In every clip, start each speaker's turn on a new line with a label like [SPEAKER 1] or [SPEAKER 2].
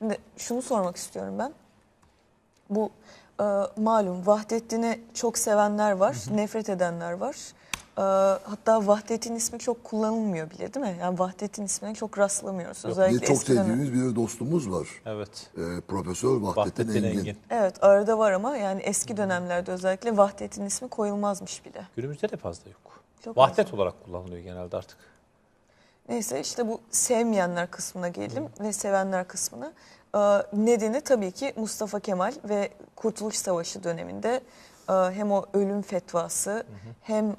[SPEAKER 1] Şimdi şunu sormak istiyorum ben. Bu malum Vahdettin'i çok sevenler var, nefret edenler var. Hatta Vahdettin ismi çok kullanılmıyor bile, değil mi? Yani Vahdettin ismine çok rastlamıyoruz.
[SPEAKER 2] Bir
[SPEAKER 1] Özellikle
[SPEAKER 2] çok
[SPEAKER 1] eskiden.
[SPEAKER 2] sevdiğimiz bir dostumuz var.
[SPEAKER 3] Evet.
[SPEAKER 2] Profesör Vahdettin
[SPEAKER 3] Vahdettin
[SPEAKER 2] Engin.
[SPEAKER 3] Engin.
[SPEAKER 1] Evet, arada var ama yani eski dönemlerde özellikle Vahdettin ismi koyulmazmış bile.
[SPEAKER 3] Günümüzde de fazla yok.
[SPEAKER 1] Çok
[SPEAKER 3] Vahdet olarak kullanılıyor genelde artık.
[SPEAKER 1] Neyse işte bu sevmeyenler kısmına gelelim ve sevenler kısmına. Nedeni tabii ki Mustafa Kemal ve Kurtuluş Savaşı döneminde hem o ölüm fetvası hem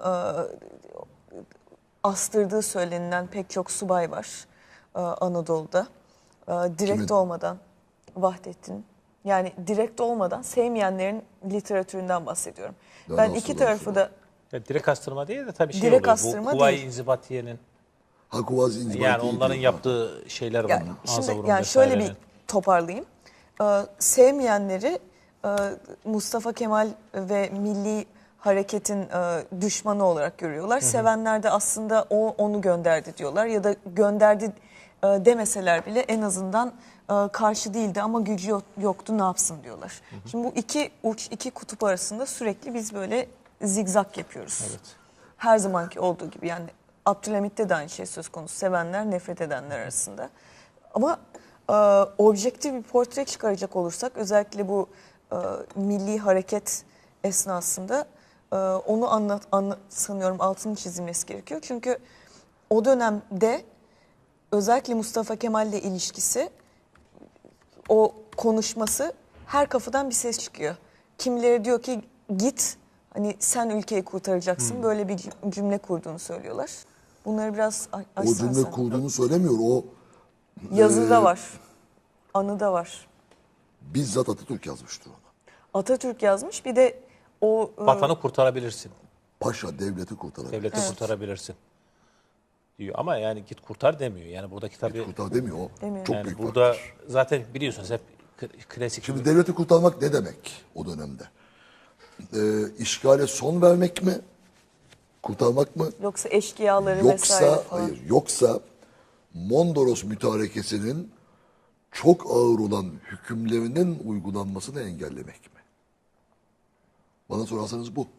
[SPEAKER 1] astırdığı söylenilen pek çok subay var Anadolu'da. Direkt
[SPEAKER 2] Kimin?
[SPEAKER 1] olmadan Vahdettin, yani direkt olmadan sevmeyenlerin literatüründen bahsediyorum.
[SPEAKER 2] Ya
[SPEAKER 1] Ben
[SPEAKER 2] nasıl
[SPEAKER 1] iki
[SPEAKER 2] laf
[SPEAKER 1] tarafı
[SPEAKER 2] ya?
[SPEAKER 1] da
[SPEAKER 3] Ya direkt astırma değil de tabii şey
[SPEAKER 1] Direkt
[SPEAKER 3] oluyor.
[SPEAKER 1] astırma
[SPEAKER 3] Bu Kuvayi
[SPEAKER 1] değil.
[SPEAKER 3] İnzibatiye'nin
[SPEAKER 2] Kuvaz İnzibati
[SPEAKER 3] yani onların
[SPEAKER 2] diyor.
[SPEAKER 3] yaptığı şeyler var.
[SPEAKER 1] yani şimdi
[SPEAKER 3] Anzavur'un
[SPEAKER 1] yani şöyle bir
[SPEAKER 3] vesairenin.
[SPEAKER 1] toparlayayım. Sevmeyenleri Mustafa Kemal ve Milli Hareket'in düşmanı olarak görüyorlar. Sevenler de aslında o onu gönderdi diyorlar ya da gönderdi demeseler bile en azından karşı değildi ama gücü yoktu, ne yapsın diyorlar. Şimdi bu iki uç, iki kutup arasında sürekli biz böyle zigzag yapıyoruz.
[SPEAKER 3] Evet.
[SPEAKER 1] Her zamanki olduğu gibi, yani Abdülhamit'te de aynı şey söz konusu. Sevenler, nefret edenler arasında. Ama objektif bir portre çıkaracak olursak özellikle bu milli hareket esnasında onu sanıyorum altını çizilmesi gerekiyor. Çünkü o dönemde özellikle Mustafa Kemal'le ilişkisi, o konuşması, her kafadan bir ses çıkıyor. Kimileri diyor ki git, hani sen ülkeyi kurtaracaksın, böyle bir cümle kurduğunu söylüyorlar. Bunları biraz
[SPEAKER 2] O
[SPEAKER 1] açsan
[SPEAKER 2] cümle
[SPEAKER 1] sen.
[SPEAKER 2] kurduğunu söylemiyor. O
[SPEAKER 1] Yazıda var, anıda var.
[SPEAKER 2] bizzat Atatürk yazmıştır onu.
[SPEAKER 1] Atatürk yazmış, bir de o
[SPEAKER 3] Vatanı kurtarabilirsin.
[SPEAKER 2] Paşa devleti kurtarabilir.
[SPEAKER 3] Devleti kurtarabilirsin diyor. Ama yani git kurtar demiyor. Yani buradaki tabii
[SPEAKER 2] Kurtar demiyor o.
[SPEAKER 1] Demiyor.
[SPEAKER 2] Çok
[SPEAKER 3] yani
[SPEAKER 2] büyük
[SPEAKER 3] burada
[SPEAKER 2] farktır.
[SPEAKER 3] zaten biliyorsunuz hep klasik.
[SPEAKER 2] Şimdi devleti kurtarmak ne demek o dönemde? İşgale son vermek mi? Kurtarmak mı?
[SPEAKER 1] yoksa eşkıyaları vesaire
[SPEAKER 2] Yoksa
[SPEAKER 1] falan.
[SPEAKER 2] hayır, yoksa Mondros mütarekesinin çok ağır olan hükümlerinin uygulanmasını engellemek mi? Bana sorarsanız bu.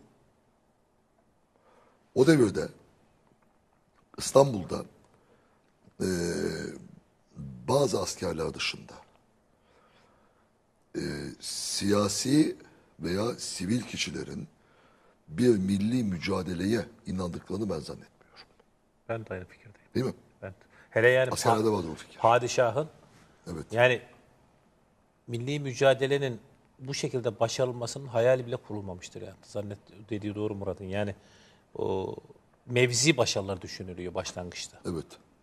[SPEAKER 2] O devirde İstanbul'da bazı askerler dışında siyasi veya sivil kişilerin bir milli mücadeleye inandıklarını ben zannetmiyorum.
[SPEAKER 3] Ben de aynı fikirdeyim.
[SPEAKER 2] Değil mi?
[SPEAKER 3] Ben, hele yani
[SPEAKER 2] Askerlerde vardır o fikir.
[SPEAKER 3] padişahın
[SPEAKER 2] Evet.
[SPEAKER 3] yani milli mücadelenin bu şekilde başarılmasının hayali bile kurulmamıştır yani. Dediği doğru Murat'ın. Yani o mevzi başarılar düşünülüyor başlangıçta.
[SPEAKER 2] Evet.